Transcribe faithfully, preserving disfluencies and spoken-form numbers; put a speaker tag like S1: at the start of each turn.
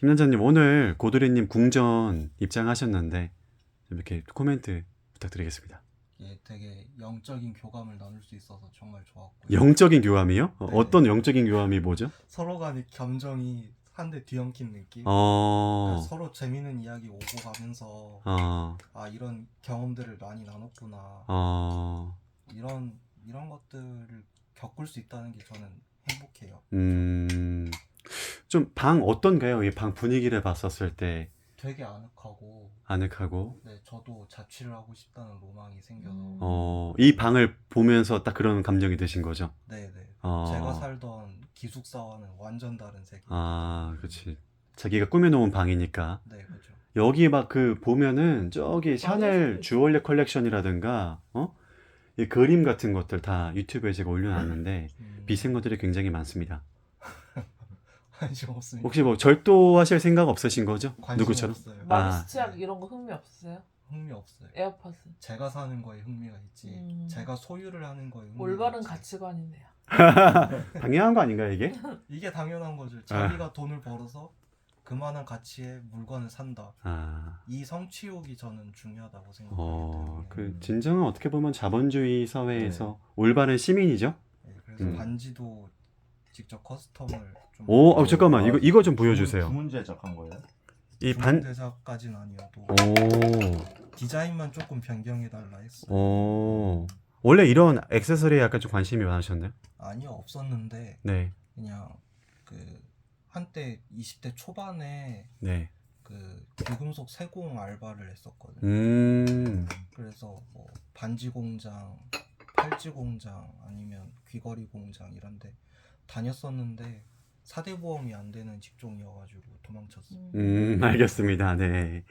S1: 김남자님 오늘 고드리님 궁전 입장하셨는데 좀 이렇게 코멘트 부탁드리겠습니다.
S2: 이게 되게 영적인 교감을 나눌 수 있어서 정말 좋았고요.
S1: 영적인 교감이요? 어,
S2: 네.
S1: 어떤 영적인 교감이 뭐죠?
S2: 서로 간의 감정이 한 대 뒤엉킨 느낌?
S1: 어,
S2: 그러니까 서로 재밌는 이야기 오고 가면서
S1: 어,
S2: 아 이런 경험들을 많이 나눴구나
S1: 어,
S2: 이런 이런 것들을 겪을 수 있다는 게 저는 행복해요.
S1: 음, 좀 방 어떤가요? 이 방 분위기를 봤었을 때
S2: 되게 아늑하고
S1: 아늑하고,
S2: 네 저도 자취를 하고 싶다는 로망이 생겨서
S3: 음.
S1: 어, 이 방을 보면서 딱 그런 감정이 드신 거죠?
S2: 네네
S1: 어,
S2: 제가 살던 기숙사와는 완전 다른 세계.
S1: 아, 그렇지. 자기가 꾸며놓은 방이니까.
S2: 네 그죠.
S1: 여기 막 그 보면은 저기 샤넬
S3: 있어.
S1: 주얼리 컬렉션이라든가 어? 이 그림 같은 것들 다 유튜브에 제가 올려놨는데
S2: 음,
S1: 비싼 것들이 굉장히 많습니다.
S2: 관심 없습니다.
S1: 혹시 뭐 절도하실 생각 없으신 거죠?
S2: 관심
S1: 누구처럼?
S2: 없어요.
S1: 아.
S3: 마리스 치약 이런 거 흥미 없으세요?
S2: 흥미 없어요.
S3: 에어팟은
S2: 제가 사는 거에 흥미가 있지.
S3: 음.
S2: 제가 소유를 하는 거에 흥미가
S3: 올바른
S2: 있지.
S3: 가치관이네요.
S1: 당연한 거 아닌가요 이게?
S2: 이게 당연한 거죠. 자기가 돈을 벌어서 그만한 가치의 물건을 산다.
S1: 아,
S2: 이 성취욕이 저는 중요하다고 생각하기
S1: 어,
S2: 때문에.
S1: 그 진정한 어떻게 보면 자본주의 사회에서 올바른 시민이죠?
S2: 네, 그래서
S1: 음.
S2: 반지도 직접 커스텀을 좀.
S1: 오, 어, 잠깐만 이거 이거 좀 보여주세요.
S4: 주문 제작한 거예요?
S1: 이 반,
S2: 대사까지는 아니어도
S1: 오,
S2: 디자인만 조금 변경해 달라 했어요.
S1: 오, 원래 이런 액세서리에 약간 좀 관심이 많으셨나요?
S2: 아니요 없었는데
S1: 네,
S2: 그냥 그 한때 이십 대 초반에
S1: 네,
S2: 그 귀금속 세공 알바를 했었거든요.
S1: 음,
S2: 그래서 뭐 반지 공장, 팔찌 공장 아니면 귀걸이 공장 이런데 다녔었는데 사대 보험이 안 되는 직종이어가지고 도망쳤어요.
S1: 음, 알겠습니다. 네.